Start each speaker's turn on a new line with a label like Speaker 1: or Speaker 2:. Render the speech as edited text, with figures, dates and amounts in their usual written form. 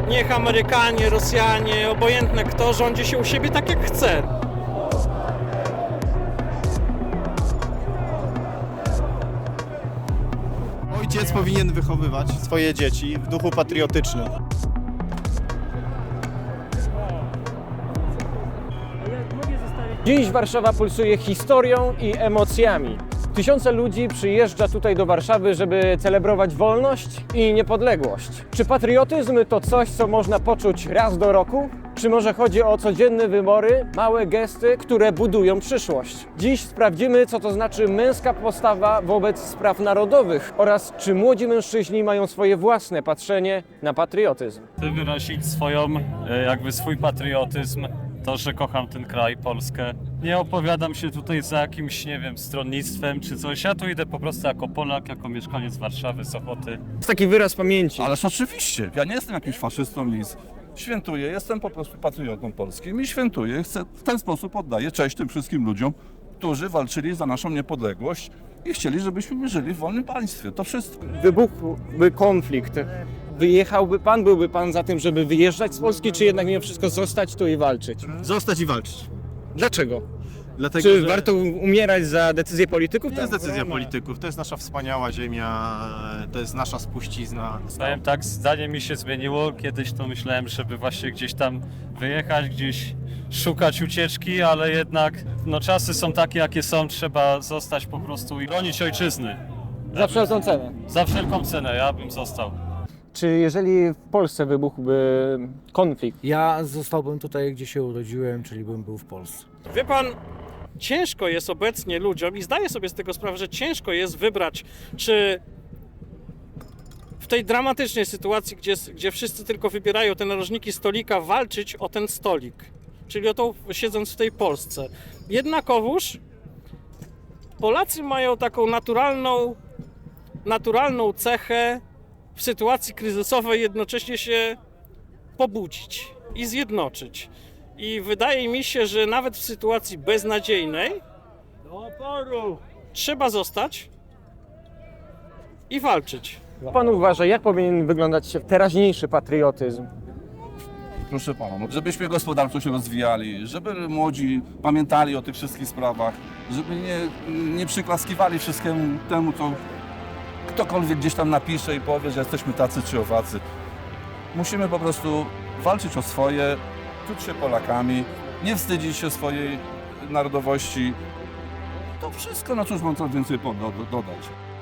Speaker 1: Niech Amerykanie, Rosjanie, obojętne kto rządzi się u siebie tak jak chce.
Speaker 2: Ojciec powinien wychowywać swoje dzieci w duchu patriotycznym.
Speaker 3: Dziś Warszawa pulsuje historią i emocjami. Tysiące ludzi przyjeżdża tutaj do Warszawy, żeby celebrować wolność i niepodległość. Czy patriotyzm to coś, co można poczuć raz do roku? Czy może chodzi o codzienne wybory, małe gesty, które budują przyszłość? Dziś sprawdzimy, co to znaczy męska postawa wobec spraw narodowych oraz czy młodzi mężczyźni mają swoje własne patrzenie na patriotyzm.
Speaker 4: Chcę wyrazić swój patriotyzm, to, że kocham ten kraj, Polskę. Nie opowiadam się tutaj za jakimś, nie wiem, stronnictwem czy coś. Ja tu idę po prostu jako Polak, jako mieszkaniec Warszawy, Sochoty.
Speaker 3: To taki wyraz pamięci.
Speaker 5: Ależ oczywiście, ja nie jestem jakimś faszystą, nic. Świętuję, jestem po prostu patriotą polskim i świętuję, w ten sposób oddaję cześć tym wszystkim ludziom, którzy walczyli za naszą niepodległość i chcieli, żebyśmy żyli w wolnym państwie. To wszystko.
Speaker 3: Wybuchłby konflikt. Byłby pan za tym, żeby wyjeżdżać z Polski, czy jednak mimo wszystko zostać tu i walczyć?
Speaker 2: Zostać i walczyć.
Speaker 3: Dlaczego?
Speaker 2: Dlatego,
Speaker 3: Czy
Speaker 2: że
Speaker 3: warto umierać za decyzje polityków?
Speaker 2: to jest decyzja polityków, to jest nasza wspaniała ziemia, to jest nasza spuścizna.
Speaker 4: Powiem tak, zdanie mi się zmieniło. Kiedyś to myślałem, żeby właśnie gdzieś tam wyjechać, gdzieś szukać ucieczki, ale jednak czasy są takie, jakie są. Trzeba zostać po prostu i bronić ojczyzny.
Speaker 3: Za wszelką cenę.
Speaker 4: Za wszelką cenę, ja bym został.
Speaker 3: Czy jeżeli w Polsce wybuchłby konflikt,
Speaker 6: Ja zostałbym tutaj, gdzie się urodziłem, czyli bym był w Polsce.
Speaker 1: Wie pan, ciężko jest obecnie ludziom i zdaję sobie z tego sprawę, że ciężko jest wybrać, czy w tej dramatycznej sytuacji, gdzie wszyscy tylko wybierają te narożniki stolika, walczyć o ten stolik, czyli o to siedząc w tej Polsce. Jednakowoż Polacy mają taką naturalną cechę w sytuacji kryzysowej jednocześnie się pobudzić i zjednoczyć. I wydaje mi się, że nawet w sytuacji beznadziejnej trzeba zostać i walczyć.
Speaker 3: pan uważa, jak powinien wyglądać teraźniejszy patriotyzm?
Speaker 5: Proszę pana, żebyśmy gospodarczo się rozwijali, żeby młodzi pamiętali o tych wszystkich sprawach, żeby nie przyklaskiwali wszystkiemu temu, co ktokolwiek gdzieś tam napisze i powie, że jesteśmy tacy czy owacy. Musimy po prostu walczyć o swoje, czuć się Polakami, nie wstydzić się swojej narodowości. To wszystko, na cóż mam co więcej dodać.